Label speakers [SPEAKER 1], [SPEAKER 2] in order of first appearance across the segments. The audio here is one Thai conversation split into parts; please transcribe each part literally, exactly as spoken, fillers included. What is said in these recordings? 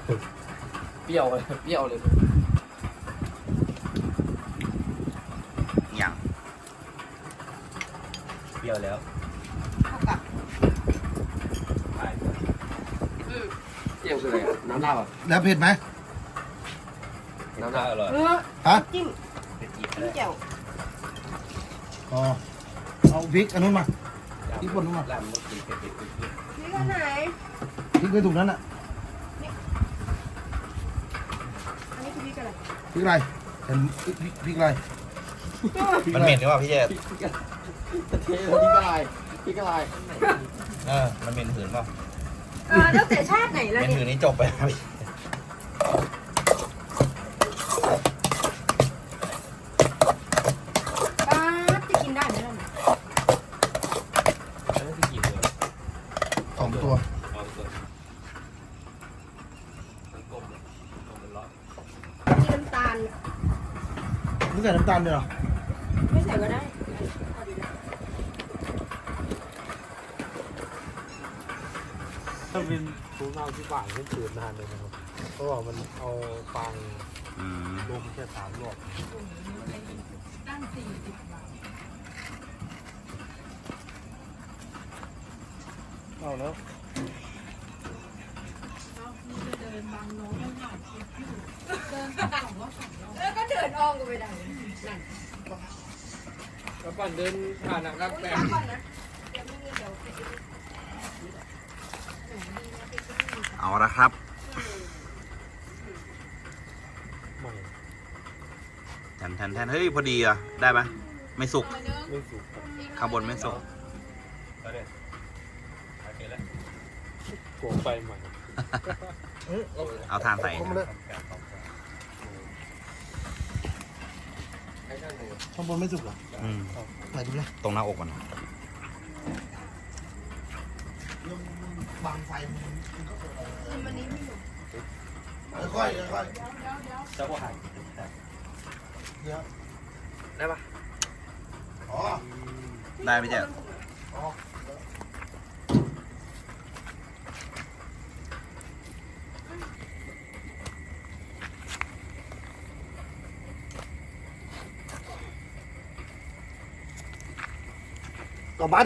[SPEAKER 1] เปรี้ยวเลยเปรี้ยวเลย
[SPEAKER 2] อย่าง
[SPEAKER 1] เปรี้ยวแล้ว
[SPEAKER 3] เท่ากับ
[SPEAKER 1] อืมเปรี้ยวคืออะไรอ่ะน้ำลาบอ่ะ
[SPEAKER 4] แล้วเผ็ดไหม
[SPEAKER 1] น้ำลาบอร่อย
[SPEAKER 3] เออ
[SPEAKER 4] ฮะ
[SPEAKER 3] จิ้ม
[SPEAKER 1] เผ็ดอีก
[SPEAKER 3] จิ้มแจ่ว
[SPEAKER 4] อ๋อเอาพริกอันนู้นมาพริกป่นนู้นมา
[SPEAKER 1] ลาบมันกินเผ็ดเผ็ดเผ็ด
[SPEAKER 3] นี่ก็ไหน
[SPEAKER 4] พริกไว้ถุงนั้นอ่ะ
[SPEAKER 3] อันนี้คือพริกอะไร
[SPEAKER 4] พริกอะไรเห็นพริกพริกอะไร
[SPEAKER 2] มันเหม็นหรือเปล่าพี่เจษ
[SPEAKER 1] พริกพริกกระเทียมพริกกระไรพริกกระไร
[SPEAKER 2] เออมันเหม็นหืนเปล่า
[SPEAKER 3] เออตั้งแต่ชาติไหน
[SPEAKER 2] เห
[SPEAKER 3] แล้ว
[SPEAKER 2] ม็น
[SPEAKER 3] เนี่
[SPEAKER 2] หื
[SPEAKER 3] ย
[SPEAKER 2] นนี่จบไปแล้วพี่
[SPEAKER 3] ป้าจะกินได้ไหมล่ะ
[SPEAKER 1] แล้วนี่คือกี่ตัว
[SPEAKER 4] สองตัว
[SPEAKER 1] เอาตัวมันกลมเลยกลมเป็นร้อย
[SPEAKER 3] มีน้ำตาล
[SPEAKER 4] นี่ใส่น้ำตาลด้วยเหรอ
[SPEAKER 3] ไม่ใส่ก็ได้พอดีนะ
[SPEAKER 5] ถ้าเป็นถุงเอาที่ป่านให้ตื่นนานเลยนะครับเพราะว่ามันเอาฟาง
[SPEAKER 2] อืม
[SPEAKER 5] ลมแค่สามรอบเอาแล้ว
[SPEAKER 3] แล้วก็เดินอ้อมก็ไปได้นั่น
[SPEAKER 1] แล้วก่อนเดินผ่านนะครับ
[SPEAKER 3] อุ้ย
[SPEAKER 1] แป
[SPEAKER 3] ช้าก่อนนะเดี๋ยวไม่มีเดี๋ยว
[SPEAKER 2] เอาละครับ
[SPEAKER 5] ใหม่
[SPEAKER 2] แทนแทนแทนเฮ้ยพอดีอ่ะได้ไหมไม่สุก
[SPEAKER 5] ไม่สุกครับ
[SPEAKER 2] ข้างบนไม่สุก
[SPEAKER 1] เอาเนี่ยโอเคแล้ว
[SPEAKER 5] โกงไฟใหม่
[SPEAKER 2] เอาทานใส่
[SPEAKER 4] เอามาเลย
[SPEAKER 1] ให้ช่างดู
[SPEAKER 4] ข้างบนไม่สุกเหรอ
[SPEAKER 2] อืม
[SPEAKER 4] ไหนดูเลย
[SPEAKER 2] ตรงหน้าอกมัน
[SPEAKER 4] บางไฟมันก็เปิด
[SPEAKER 3] คือมันนี้ไม่หนุก
[SPEAKER 4] ค่อยๆค่อย
[SPEAKER 1] เจ้าก็หาย
[SPEAKER 4] ๆเดี๋ยว
[SPEAKER 1] ได้ปะ
[SPEAKER 4] อ๋อ
[SPEAKER 2] ได้ไหมเจ๊
[SPEAKER 4] อ๋อต่อมาดิ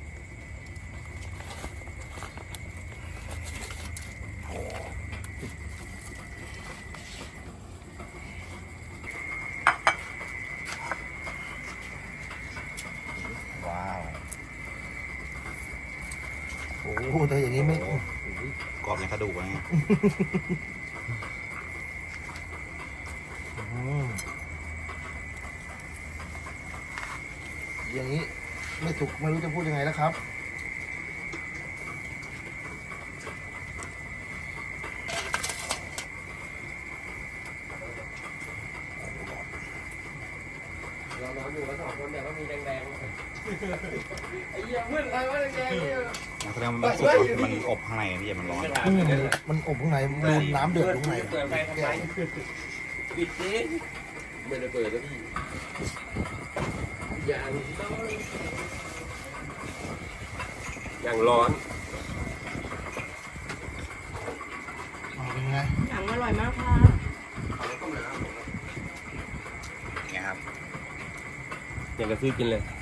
[SPEAKER 2] ว้าว
[SPEAKER 4] โอ้โหแต่อย่างนี้ไม่
[SPEAKER 2] โอ้กรอบอย่างกระดูกอะไรเงี้ย
[SPEAKER 4] อืมอย่างนี้ไม่สุกไม่รู้จะพูดยังไงแล้วครับ
[SPEAKER 1] เรานอนอยู่กันสองคนเนี่ยก็มีแดงๆไอ้เหี้ยมืดอะไรวะแดงๆเนี่ย
[SPEAKER 2] แสดงว่ามันสุกมันอบข้างในพี่เจษมันร้อน
[SPEAKER 4] อืมมันอบข้างในดูน้ำเดือดอยู่ข้างใน
[SPEAKER 1] เปิดไฟทำไมปิดดิไม่ได้เปิดแล้วพี่อย่างต้องอย่างร้อน
[SPEAKER 4] อ๋อเป็นไง
[SPEAKER 3] หนังอร่อยมากค่ะ
[SPEAKER 2] ไงครับ
[SPEAKER 1] อย่างกระซื้อกินเลย